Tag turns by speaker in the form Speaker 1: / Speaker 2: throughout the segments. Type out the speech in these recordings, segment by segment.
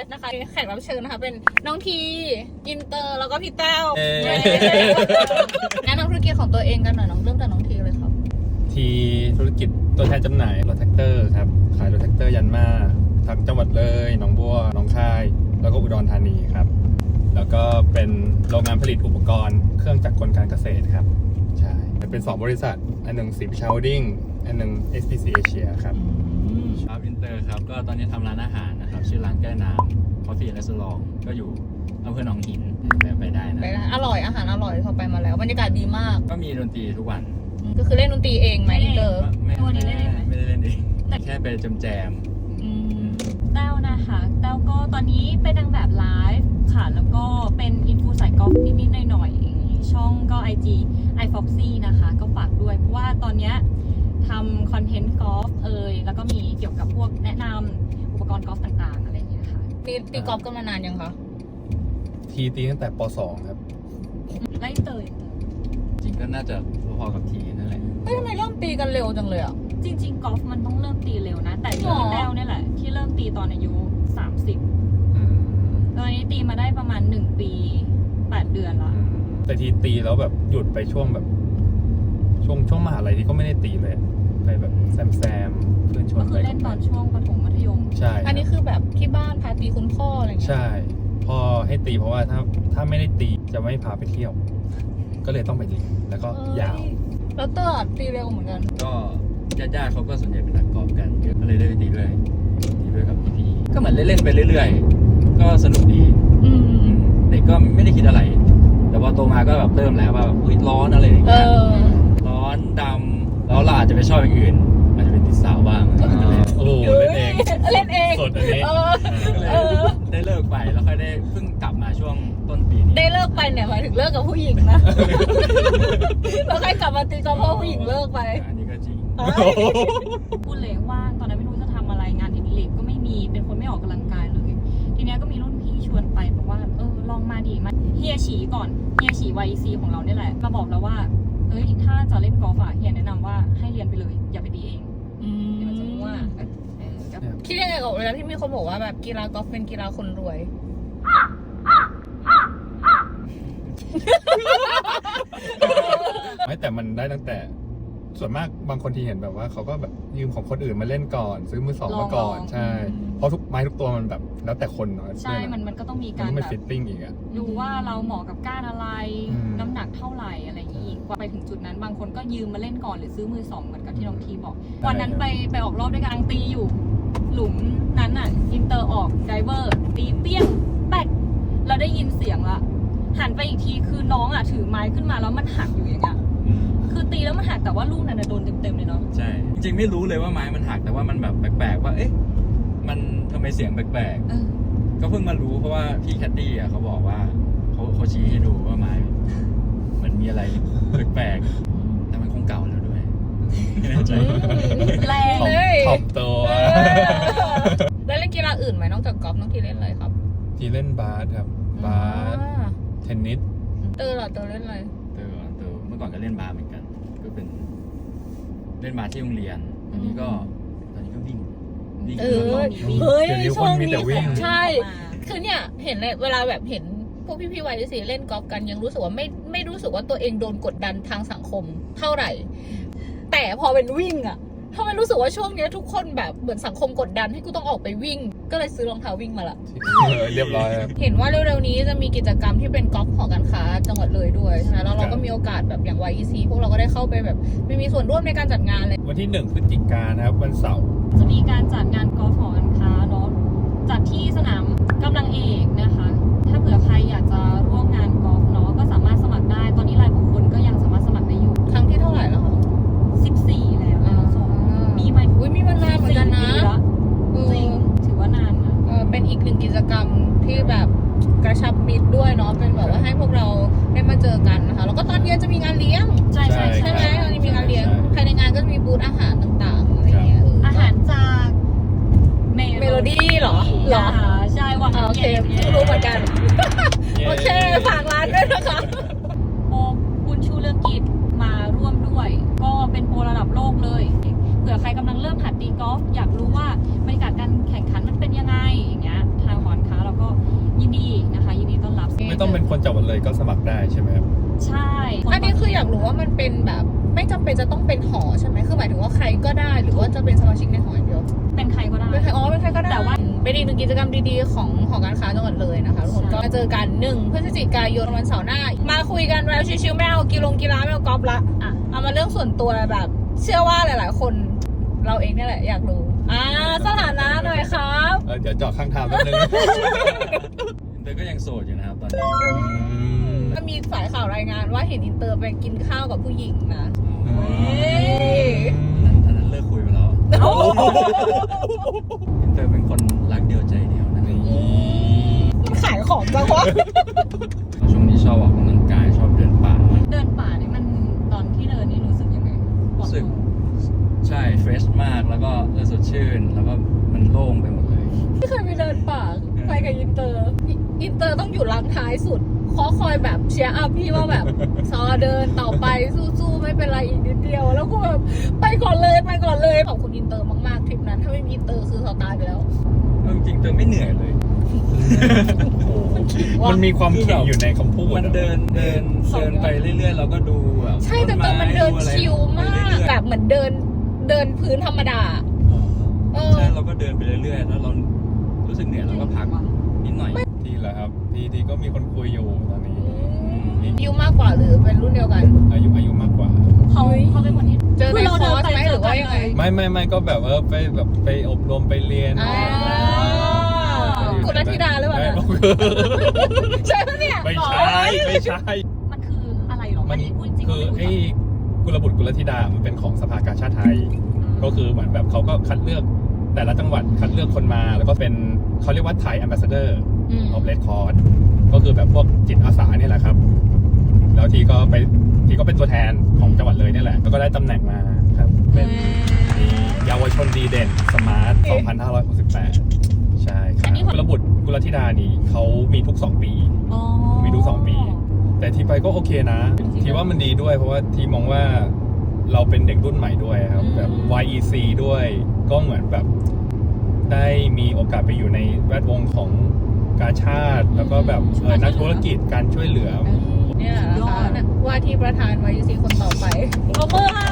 Speaker 1: นะคะแขกรับเชิญนะคะเป็นน้องทีอินเตอร์แล้วก็พี่แต้วแนะนำธุรกิจของตัวเองกันหน่อยน้องเริ่มจากน้องทีเลยครับ
Speaker 2: ทีธุรกิจตัวแทนจำหน่ายรถแท็กเตอร์ครับขายรถแท็กเตอร์ยันมาทั้งจังหวัดเลยหนองบัวหนองคายแล้วก็อุดรธานีครับแล้วก็เป็นโรงงานผลิตอุปกรณ์เครื่องจักรกลการเกษตรครับใช่เป็น2บริษัทอันหนึ่งศรีวิชัยโฮลดิ้งอันหนึ่ง SPC Asia ครับ
Speaker 3: ครับอินเตอร์ครับก็ตอนนี้ทำร้านอาหารนะครับชื่อร้านแก้น้ำ Coffee Restaurant ก็อยู่อำเภอหนองหินไปได้นะ
Speaker 1: อร่อยอาหารอร่อยพอไปมาแล้วบรรยากาศดีมาก
Speaker 3: ก็มีดนตรีทุกวัน
Speaker 1: ก็คือเล่นดนตรีเองไหมอินเตอร์
Speaker 3: ไม่ได้เล่นเองแค่ไปแจม
Speaker 4: แต้วนะคะแต้วก็ตอนนี้เป็นนางแบบไลฟ์ค่ะแล้วก็เป็นอินฟูสายกอล์ฟนิดๆหน่อยๆช่องก็ IG iFoxy นะคะก็ฝากด้วยเพราะว่าตอนนี้ทำคอนเทนต์กอล์ฟแล้วก็มีเกี่ยวกับพวกแนะนำอุปกรณ์กอล์ฟต่างๆอะไรอย่างเงี้ยค่ะ
Speaker 1: ตีกอล์ฟกันมานานยังคะ
Speaker 2: ทีตีตั้งแต่ป .2 ครับ
Speaker 4: ไล่เตย
Speaker 3: จริงก็น่าจะพอๆกับทีนั่นแหละ
Speaker 1: ทำไมเริ่มตีกันเร็วจังเลยอ่ะ
Speaker 4: จริงๆกอล์ฟมันต้องเริ่มตีเร็วนะแต่ที่แต้วเนี่ยแหละที่เริ่มตีตอนอายุ30ตอนนี้ตีมาได้ประมาณ1 ปี8 เดือนละ
Speaker 2: แต่ทีตีแล้วแบบหยุดไปช่วงแบบช่วงมหาลัยที่ก็ไม่ได้ตีเลยไปแบบแซมเพื่อนชวน
Speaker 4: ก็คือเล่นตอนช่วงประถมมัธยม
Speaker 2: ใช่
Speaker 1: อันนี้คือแบบที่บ้านพาตีคุณพ่ออะไรอย่างเงี้ย
Speaker 2: ใช่พ่อให้ตีเพราะว่าถ้าไม่ได้ตีจะไม่พาไปเที่ยวก็เลยต้องไปตีแล้วก็ยาว
Speaker 1: แล้วเตอร์ตีเร็วเหมือนกัน
Speaker 3: ก็ญาติเขาก็ส่วนใหญ่เป็นนักกอล์ฟกันก็เลยได้ไปตีด้วยกับพี่ก็เหมือนเล่นๆไปเรื่อยๆก็สนุกดีเด็กก็ไม่ได้คิดอะไรแต่พอโตมาก็แบบเริ่มแล้วว่าอุ้ยร้อนอะไรอย่างเงี้ยร้อนดำแล้วเราอาจจะไปชอบอย่างอื่นอาจจะเป็นติดสาวบ้าง
Speaker 2: โอ้เล่นเองสดอันนี้
Speaker 3: ได้เลิกไปแล้วค่อยได้เพิ่งกลับมาช่วงต้นปีนี้
Speaker 1: ได้เลิกไปเนี่ยหมายถึงเลิกกับผู้หญิงนะแล้วค่อยกลับมาตีก็เพราะผู้หญิงเลิกไป
Speaker 3: อันนี้ก็จริง
Speaker 4: พูดเลยว่าตอนนั้นไม่รู้จะทำอะไรงานอดิเรกก็ไม่มีเป็นคนไม่ออกกำลังกายเลยทีนี้ก็มีรุ่นพี่ชวนไปบอกว่าลองมาดีมาเฮียฉีก่อนเฮียฉี YEC ของเราเนี่ยแหละมาบอกแล้วว่าถ้าจะเล่นกอล์ฟเฮียแนะนำว่าให้เรียนไปเลยอย่าไปตีเองเดี๋ยวจะรู้ว่า
Speaker 1: คิดยังไงกับเวลาที่มีคนบอกว่าแบบกีฬากอล์ฟเป็นกีฬาคนรวย
Speaker 2: ไม่แต่มันได้ตั้งแต่ส่วนมากบางคนที่เห็นแบบว่าเขาก็แบบยืมของคนอื่นมาเล่นก่อนซื้อมือสองมาก่อนใช่เพราะทุกไม้ทุกตัวมันแบบแล้วแต่คนเนาะ
Speaker 4: ใช่มันก็ต้องมีการ
Speaker 2: แบบฟิตติ้งอีกอะ
Speaker 4: ดูว่าเราเหมาะกับก้านอะไรน้ำหนักเท่าไหร่อะไรอย่างนี้กว่าไปถึงจุดนั้นบางคนก็ยืมมาเล่นก่อนหรือซื้อมือสองเหมือนกับที่น้องทีบอกวันนั้นไปออกรอบด้วยกันตีอยู่หลุมนั้นอ่ะอินเตอร์ออกไดเวอร์ตีเปี้ยงแป๊กเราได้ยินเสียงละหันไปอีกทีคือน้องอ่ะถือไม้ขึ้นมาแล้วมันหักอยู่อย่างเงี้ยคือตีแล้วมันหักแต่ว่าลูกนั้นโดนเต็มๆเลยเนาะ
Speaker 3: ใช่จริงๆไม่รู้เลยว่าไม้มันหักแต่ว่ามันแบบแปลกๆว่าเอ๊ะมันทำไมเสียงแปลกๆก็เพิ่งมารู้เพราะว่าพี่แคดดี้อ่ะเขาบอกว่าเขาชี้ให้ดูว่าไม้มันมีอะไรแปลกๆแต่มันคงเก่าแล้วด้วย
Speaker 4: แรงเลย
Speaker 2: ขอบตัว
Speaker 1: แล้วเล่นกีฬาอื่นไหมนอกจากกอล์ฟน้องทีเล่นอะไรครับ
Speaker 2: ทีเล่นบาสครับบาสเทนนิส
Speaker 1: เตอร์เล่นอะไร
Speaker 3: เมื่อก่อนก็เล่นบาสเหมือนกันก็เป็นเล่นบาสที่โรงเรียนตอนนี้ก็วิ่ง
Speaker 1: ช่วงนี้ใช่คือเนี่ยเห็นเลยเวลาแบบเห็นพวกพี่วัยที่เล่นกอล์ฟกันยังรู้สึกว่าไม่รู้สึกว่าตัวเองโดนกดดันทางสังคมเท่าไหร่แต่พอเป็นวิ่งอะทำไมรู้สึกว่าช่วงนี้ทุกคนแบบเหมือนสังคมกดดันให้กูต้องออกไปวิ่งก็เลยซื้อรองเท้าวิ่งมาละ
Speaker 2: เรียบร้อย
Speaker 1: เห็นว่าเร็วๆนี้จะมีกิจกรรมที่เป็นกอล์ฟหอการค้าจังหวัดเลยด้วยใช่ไหมแล้วเราก็มีโอกาสแบบอย่าง YEC พวกเราก็ได้เข้าไปแบบไม่มีส่วนร่วมในการจัดงานเลย
Speaker 2: วันที่1 พฤศจิกายนนะครับวันเสาร์
Speaker 4: จะมีการจัดงานกอล์ฟหอการค้าเนาะจัดที่สนามกำลังเอกนะคะถ้าเผื่อใครอยากจะร่วมงานกอล์ฟเนาะก็สามารถสมัครได้ตอนนี้รายบุคคลก็ยังสามารถสมัครได้อยู่
Speaker 1: ครั้งที่เท่าไหร่แล้วคะ
Speaker 4: 14แล้วมีไหม
Speaker 1: มีมานานเหมือนกันนะ
Speaker 4: จริงถือว่านานนะ
Speaker 1: เป็นอีกหนึ่งกิจกรรมที่แบบกระชับมิตรด้วยเนาะเป็นแบบว่าให้พวกเราได้มาเจอกันนะคะแล้วก็ตอนเย็นจะมีงานเลี้ยง
Speaker 4: ใช่
Speaker 1: ไหมตอนนี้มีงานเลี้ยงภายในงานก็จะมีบูธอาหารต่างๆอะไรเงี้ย
Speaker 4: อาหารจาก
Speaker 1: เมโลดี้เหรอ
Speaker 4: ใช่ว่า
Speaker 1: โอเครู้เหมือนกันโอเคฝากร้านด้วยนะคะ
Speaker 4: โปบุญชูเลือกกิจมาร่วมด้วยก็เป็นโปรระดับโลกเลยเผื่อใครกำลังเริ่มหัดตีกอล์ฟอยากรู้ว่าบรรยากาศการแข่งขันมันเป็นยังไงอย่างเงี้ยทางหอการค้าเรายินดีนะคะยินดีต้อนรับ
Speaker 2: ไม่ต้องเป็นคนจังหวัดเลยก็สมัครได้ใช่ไหมครับ
Speaker 4: ใช่
Speaker 1: อันนี้คืออยากรู้ว่ามันเป็นแบบไม่จำเป็นจะต้องเป็นหอใช่ไหมคือหมายถึงว่าใครก็ได้หรือว่าจะเป็นสมาชิกในหออย่างเดียว
Speaker 4: เป็นใครก็ได้
Speaker 1: เป็นใครอ๋อเป็นใครก็ได้
Speaker 4: แต่ว่า
Speaker 1: เป็นอีกหนึ่งกิจกรรมดีๆของหอการค้าจังหวัดเลยนะคะทุกคนก็มาเจอกัน1 พฤศจิกายนวันเสาร์หน้ามาคุยกันแล้วชิวๆไม่เอากีฬาไม่เอากอล์ฟละ
Speaker 4: อ่ะ
Speaker 1: เอามาเรื่องส่วนตัวแบบ เชื่อว่าหลายๆ คนเราเองเนี่ยแหละอยากรู้สถานะหน่อยครับ
Speaker 2: เดี๋ยวเจาะข้างทางแป๊บนึง
Speaker 3: เตยก็ยังโสดอยู่นะครับตอนนี้
Speaker 1: ก็มีสายข่าวรายงานว่าเห็นอินเตอร์ไปกินข้าวกับผู้หญิงนะ
Speaker 3: อันนั้นเลิกคุยไปแล้วเตยเป็นคนรักเดียวใจเดียวนะ
Speaker 1: มันขายของจังวะ
Speaker 3: ช่วงนี้ชอบออกกำลังกายชอบเดินป่า
Speaker 4: เดินป่านี่มันตอนที่เดินนี่รู้สึกยังไงปลอด
Speaker 3: รู้สึก
Speaker 4: โปร่ง
Speaker 3: ใช่เฟรชมากแล้วก็สดชื่นแล้วก็มันโล่งไปหมดเลย
Speaker 1: ไม่เคยไปเดินป่าไปกับอินเตอร์ต้องอยู่หลังท้ายสุดคอยแบบเชียร์อัพพี่ว่าแบบซอเดินต่อไปสู้ๆไม่เป็นไรอีกนิดเดียวแล้วก็แบบไปก่อนเลยขอบคุณอินเตอร์มากๆทริปนั้นถ้าไม่มีอินเตอร์คือเขาตายไปแล้ว
Speaker 3: จริงๆเตยไม่เหนื่อยเลย
Speaker 2: มันมีความขิงอยู่ในคำพูด
Speaker 3: มันเดินไปเรื่อยๆเราก็ดูแบบ
Speaker 1: ใช่แต่ตัวมันเดินชิลมากแบบเหมือนเดินพื้นธรรมดา
Speaker 3: ใช่เราก็เดินไปเรื่อยๆแล้วเรารู้สึกเหนื่อยเราก็พักนิดหน่อย
Speaker 2: ทีละครับทีก็มีคนคุยอยู่ตอนนี้
Speaker 1: อายุมากกว่าหรือเป็นรุ่นเดียวกัน
Speaker 2: อายุมากกว่า
Speaker 4: เขาเป็นคนที่
Speaker 1: เจอในคอร์สไหมหรือว่ายังไง
Speaker 2: ไม่ก็แบบไปอบรมไปเรียน
Speaker 1: คุณรัธิดาหรือเปล่าใช่ปะเนี่ย
Speaker 2: ไม่ใช่
Speaker 4: มันคืออะไรหรอ
Speaker 2: มัน
Speaker 4: พูดจริง
Speaker 2: คือไอ้กุลบุตรกุลธิดามันเป็นของสภากาชาดไทย ก็คือเหมือนแบบเขาก็คัดเลือกแต่ละจังหวัดคัดเลือกคนมาแล้วก็เป็นเขาเรียกว่าไทยแอมบาสเดอร์ of Red Cross ก็คือแบบพวกจิตอาสาเนี่ยแหละครับ แล้วทีก็เป็นตัวแทนของจังหวัดเลยเนี่ยแหละแล้วก็ได้ตำแหน่งมาครับเป็นเยาวชนดีเด่นสมาร์ท 2568 ใช่ครับกุลบุตรกุลธิดานี่เขามีทุก2 ปี มีทุก2 ปี แต่ทีไปก็โอเคนะ ทีว่ามันดีด้วยเพราะว่าทีมองว่าเราเป็นเด็กรุ่นใหม่ด้วยครับแบบ YEC ด้วยก็เหมือนแบบได้มีโอกาสไปอยู่ในแวดวงของกาชาติแล้วก็แบบนักธุรกิจการช่วยเหลือ
Speaker 1: เนี่ยนะคะว่าที่ประธานวายุซีคนต่อไปโอเบอร์ค่ะ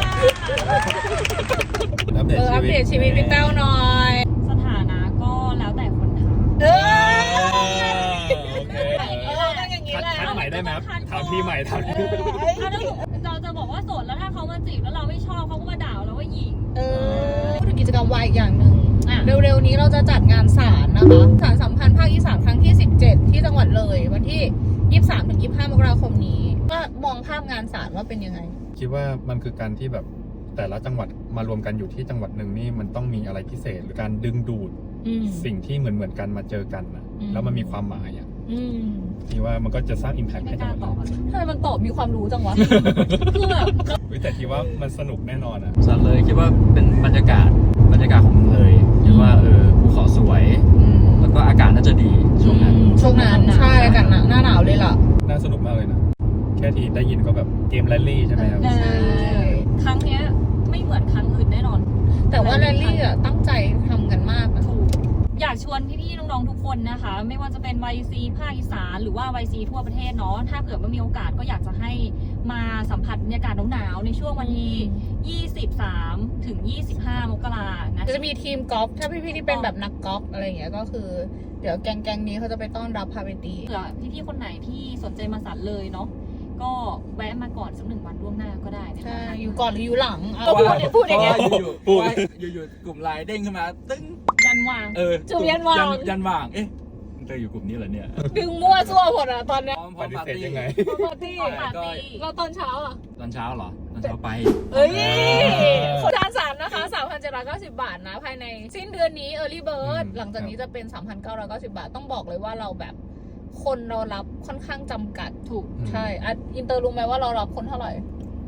Speaker 2: อัปเดต
Speaker 1: ชีวิตพี่แต้วหน่อย
Speaker 4: สถานะก็แล้วแต่คนถาม
Speaker 2: โอเค
Speaker 1: ต้องอย่างนี้แหละ
Speaker 2: ทันใหม่ได้ไหมครับถามพี่ใหม่ถามพี่
Speaker 4: เราจะบอกว่าโสดแล้วถ้าเขามาจีบแล้วเราไม่ชอบเขาก็มาด่าเราว่าหญิง
Speaker 1: พูดถึงกิจกรรมวายอีกอย่างหนึ่งเร็วๆนี้เราจะจัดงานศาลนะคะศาลสัมพันธ์ภาคอีสานครั้งที่ 17 ที่จังหวัดเลยวันที่ 23-25 มกราคมนี้ก็มองภาพงานศาลว่าเป็นยังไง
Speaker 2: คิดว่ามันคือการที่แบบแต่ละจังหวัดมารวมกันอยู่ที่จังหวัดหนึ่งนี่มันต้องมีอะไรพิเศษหรือการดึงดูดสิ่งที่เหมือนกันมาเจอกันนะแล้วมันมีความหมายอ่ะที่ว่ามันก็จะสร้าง impact ให้จังหวัดเรา
Speaker 1: ทำไมมันตอบมีความรู้จังวะ คือแบบ
Speaker 2: แต่ทีว่ามันสนุกแน่นอนอ่ะ
Speaker 3: สันเลยคิดว่าเป็นบรรยากาศของเมืองเลยคิดว่าภูเขาสวย แล้วก็อากาศน่าจะดีช่วงนั้น
Speaker 1: ใช่กันนะหน้าหนาวเลยล่ะ
Speaker 2: น่าสนุกมากเลยนะ แค่ทีได้ยินก็แบบเกมแรลลี่ใช่ไหมครับ
Speaker 1: ใช่
Speaker 4: ครั้งเนี้ยไม่เหมือนครั้งอื่นแน่นอน
Speaker 1: แต่ว่าแรลลี่อ่ะตั้งใจทำกันมากนะ
Speaker 4: อยากชวนพี่ๆน้องๆทุกคนนะคะ ไม่ว่าจะเป็น YC ภาคอีสานหรือว่า YC ทั่วประเทศเนาะถ้าเผื่อว่ามีโอกาสก็อยากจะให้มาสัมผัสบรรยากาศหนาวๆในช่วงวันที่23 ถึง 25 มกรานะ
Speaker 1: จะมีทีมกอล์ฟถ้าพี่ๆที่เป็นแบบนักกอล์ฟอะไรอย่างเงี้ยก็คือเดี๋ยวแก๊งนี้เขาจะไปต้อนรับพาไปตี
Speaker 4: เผื่อพี่ๆคนไหนที่สนใจมาสันเลยเนาะก็แวะมาก่อนสัก1 วันล่วงหน้าก็ได้นะคะ
Speaker 1: ใช่อยู่ก่อนหรืออยู่หลัง
Speaker 3: เพราะว่า
Speaker 1: พูดอย่างเงี้ย
Speaker 3: เพราะว่าอยู่ๆกลุ่มไลน์เด้งขึ้นมาตึ้ง
Speaker 4: ยันวาง
Speaker 1: จุ่มยันวาง
Speaker 3: ยันวางเอ๊ะเธออยู่กลุ่มนี้เหรอเนี่ย
Speaker 1: ดึงมั่วซั่วหมดอ่ะตอนเนี้ย
Speaker 3: พร้อม
Speaker 2: ปฏิ
Speaker 3: ปาร์
Speaker 2: เสธ
Speaker 3: ตี้
Speaker 2: ยังไง
Speaker 1: ปาร์ตี้
Speaker 4: ปาร์ตี้
Speaker 1: เราตอนเช้าอ่ะ
Speaker 3: ตอนเช้าเหรอตอนเช้าไป
Speaker 1: เอ้ยคนทานสารนะคะ 3,790 บาทนะ ภายในสิ้นเดือนนี้ Early Bird หลังจากนี้จะเป็น 3,990 บาท ต้องบอกเลยว่าเราแบบคนเรารับค่อนข้างจำกัด
Speaker 4: ถูก
Speaker 1: ใช่อ่ะอินเตอร์รู้ไหมว่าเรารับคนเท่าไหร่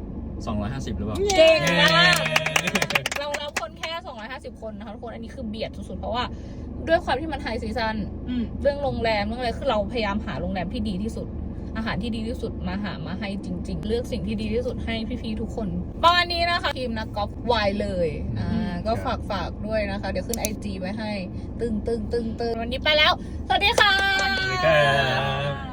Speaker 3: 250หรือเปล่า
Speaker 1: เก่งมากเรารับคนแค่ 250 คนนะคะทุกคน อันนี้คือเบียดสุดๆ เพราะว่าด้วยความที่มันไฮซีซัน เรื่องโรงแรมเรื่องอะไรคือเราพยายามหาโรงแรมที่ดีที่สุดอาหารที่ดีที่สุดมาหามาให้จริง ๆ เลือกสิ่งที่ดีที่สุดให้พี่ๆทุกคนประมาณนี้นะคะทีมนักกอล์ฟวายเลยก็ฝากด้วยนะคะ เดี๋ยวขึ้น IG ไว้ให้ตึงวันนี้ไปแล้วสวัสดีค่ะ
Speaker 2: สวัสดีครับ